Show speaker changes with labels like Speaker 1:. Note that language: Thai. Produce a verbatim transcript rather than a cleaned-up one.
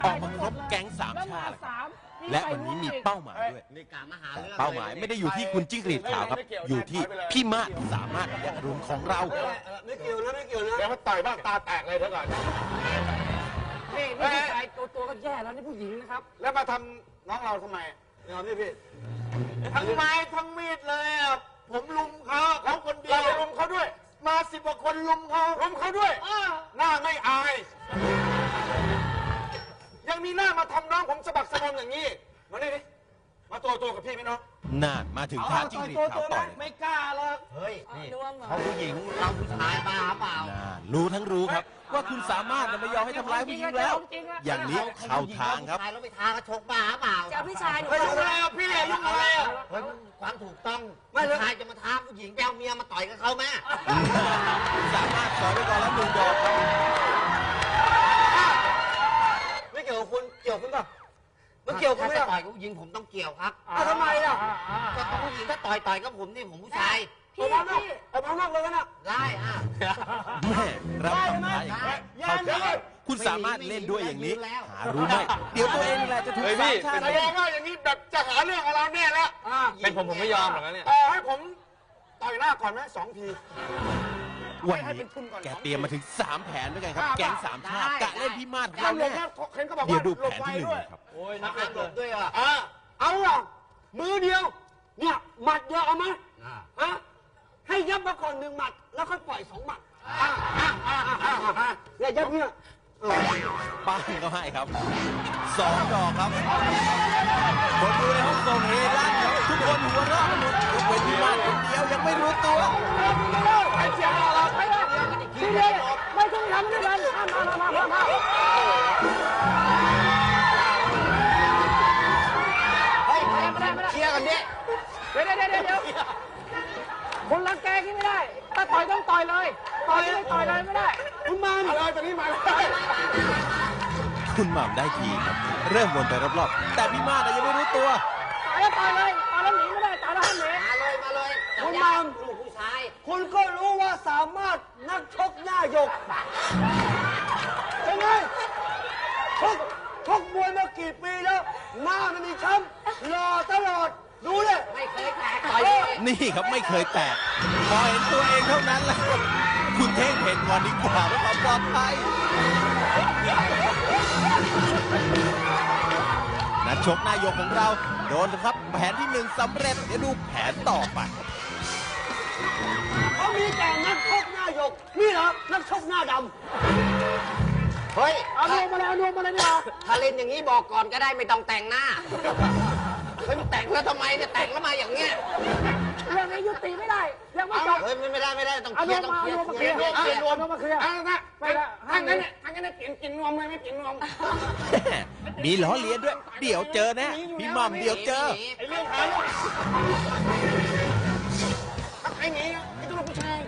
Speaker 1: ออกมาครบแก๊งสามชาติและวันนี้มีเป้าหมายด้วยแต่เป้าหมายไม่ได้อยู่ที่คุณจิ้งหรีดขาวครับอยู่ที่พี่มาศสามารถยะรุนของเรา
Speaker 2: ไม่เกี่ยวนะไม่เกี่ยวนะ
Speaker 3: แล้วเขาต่อยบ้างตาแตกเลยเท่าก่อน
Speaker 2: นี่นี่ผู้ชายตัวตัวก็แย่แล้วนี่ผู้หญิงนะครับแล้วมาทำน้องเราทำไมยอมพี่พี่ทั้งไม้ทั้งมีดเลยอ่ะผมลุมเขาเขาคนเดียวลุมเขาด้วยมาสิบกว่าคนลุมเขาลุมเขาด้วยหน้าไม่อายยังมีหน้ามาทำน้องผมสะบักสะบอมอย่างนี้มาดิมาตัวตัวกับพี่ไหมน้อง
Speaker 1: นานมาถึงท่าจิ้งหรีดขาวต่อย
Speaker 2: ไม่กล้าหรอก
Speaker 4: เฮ้ยนี่เขาผู้หญิงเราผู้ชายบ้าเปล่า
Speaker 1: รู้ทั้งรู้ครับว่าคุณสามารถไม่ยอมให้ทำร้ายผู้หญิงแล้วอย่างนี้เข้าทางครับ
Speaker 4: เราไปทางกระชกบ้าเปล่า
Speaker 5: จะพี่ชายหนู
Speaker 2: ไม่ทำอะไรพี่ลุงอะไร
Speaker 4: เฮ้ยความถูกต้องผู้ชายจะมาท้าผู้หญิงแก้วเมียมาต่อยกับเขาไหม
Speaker 1: สามารถสอนไปก่อนแล้วหนึ่งดอกครับ
Speaker 2: ไม่เกี่ยวกับคุณเกี่ยวคุณป่ะมันเกี่ยวกับ
Speaker 4: ไม่ต่อยกับผู้หญิงผมต้องเกี่ยวครับ
Speaker 2: ทำไมล่ะ
Speaker 4: ก็ผู้หญิงถ้าต่อยต่อยกับผมนี่ผมผู้ชาย
Speaker 5: พี่พี่
Speaker 2: เอาพังนอกเลยนะ
Speaker 4: ได้อ่ะ
Speaker 1: แม่รับคำท้าอย่างนี้เข้าใจคุณสามารถเล่นด้วยอย่างนี้หารู้ไหมเดี๋ยวตัวเองแหละจะถูกสามชาติ
Speaker 2: แสดงว่าอย่างนี้แบบจะหาเรื่องกับเราแน่แล้ว
Speaker 3: เป็นผมผมไม่ยอมหรอกนะเนี่ย
Speaker 2: ให้ผมต่อยหน้าก่อนไหมสองที
Speaker 1: วันนี้แกเตรียมมาถึงสามแผนด้วยกันครับแก๊งสามชาติกะเล่นพี่มาศของเราเนี่ยเดี๋ยวดูแผนที่หนึ่งครับ
Speaker 4: โอ้ยนักหลบด้วยอ่ะ
Speaker 2: เอาอ่ะมือเดียวเนี่ยหมัดเดียวเอาไหมฮะให้ยับมาก่อนหนึ่งหมัดแล้วค่อยปล่อยสองหมัดเนี่ยยับเนี่ย
Speaker 1: ป้านก็ให้ครับสองดอกครับคนดูในห้องส่งเฮลั่นครับทุกคนหัวเราะหมดยกเว้นพี่มาศคนเดียวยังไม่รู้ตัว
Speaker 2: ไอ้เสียงเราไม่ได้ที่นี่ไม่ต้องทำด้วยกันมามามามาเฮ้ยไม่ได้ไม่ได้ไม่ได้เคลียร์กันดิเดี๋ยวเดี๋ยวเดี๋ยวเดี๋ยวคนรังแกที่ไม่ได้ถ้าต่อยต้องต่อยเลยต่อยไม่ต่อยเลยไม่ได้คุณมาอะไรตอนนี้มา
Speaker 1: คุณหม่ำได้ทีครับเริ่มวนไปรอบๆแต่พี่มาศยังไม่รู้ตัว
Speaker 2: ต่อยแล้วต่อยเลยต่อยแล้วหนีไม่ได้ต่อยแล้วห้ามหนี
Speaker 4: มาเลยมาเลย
Speaker 2: คุณหม่ำ
Speaker 4: ลูกผู้ชาย
Speaker 2: คุณก็รู้ว่าสามารถนักชกหน้าหยกเป็นไงชกชกมวยมากี่ปีแล้วหน้ามันมีช้ำหล่อตลอดดูเลย
Speaker 4: ไม่เคยแตกต่อย
Speaker 1: นี่ครับไม่เคยแตกพอเห็นตัวเองเท่านั้นแหละคุณเท่งเห็นก่อนดีกว่าเพื่อความปลอดภัยนักชกหน้าหยกของเราโดนครับแผนที่หนึ่งสำเร็จเดี๋ยวดูแผนต่อไป
Speaker 2: เขามีแต่นักชกหน้าหยกนี่เหรอนักชกหน้าดำ
Speaker 4: เฮ้ย
Speaker 2: เอานวมมาเลยเอานวมมาเลยนี่เหรอ
Speaker 4: ถ้าเล่นอย่างนี้บอกก่อนก็ได้ไม่ต้องแต่งหน้าเฮ้ยแต่งแล้วทำไมเนี่ยแต่งแล้วมาอย่างเงี้ย
Speaker 2: เรื่องนี้ยุติไม่ได้ยังไม่จบ
Speaker 4: เฮ้ยไม่ได้ไม่ได้ต้องเคลียร์ต้องเคลียร์
Speaker 2: เคลียร์เคลียร์รวมมาเคลียร์เอาละไปละทางนั้นเนี่ยทางนั้นเนี่ยเปลี่ยนกินนวมเลยไม่เปลี่ยนนวม
Speaker 1: มีล้อเลียนด้วยเดี๋ยวเจอแน่พี่หม่ำเดี๋ยวเจอ
Speaker 2: ไอ้เรื่องหาไอ้หนีไอ้ตัวผู้ชาย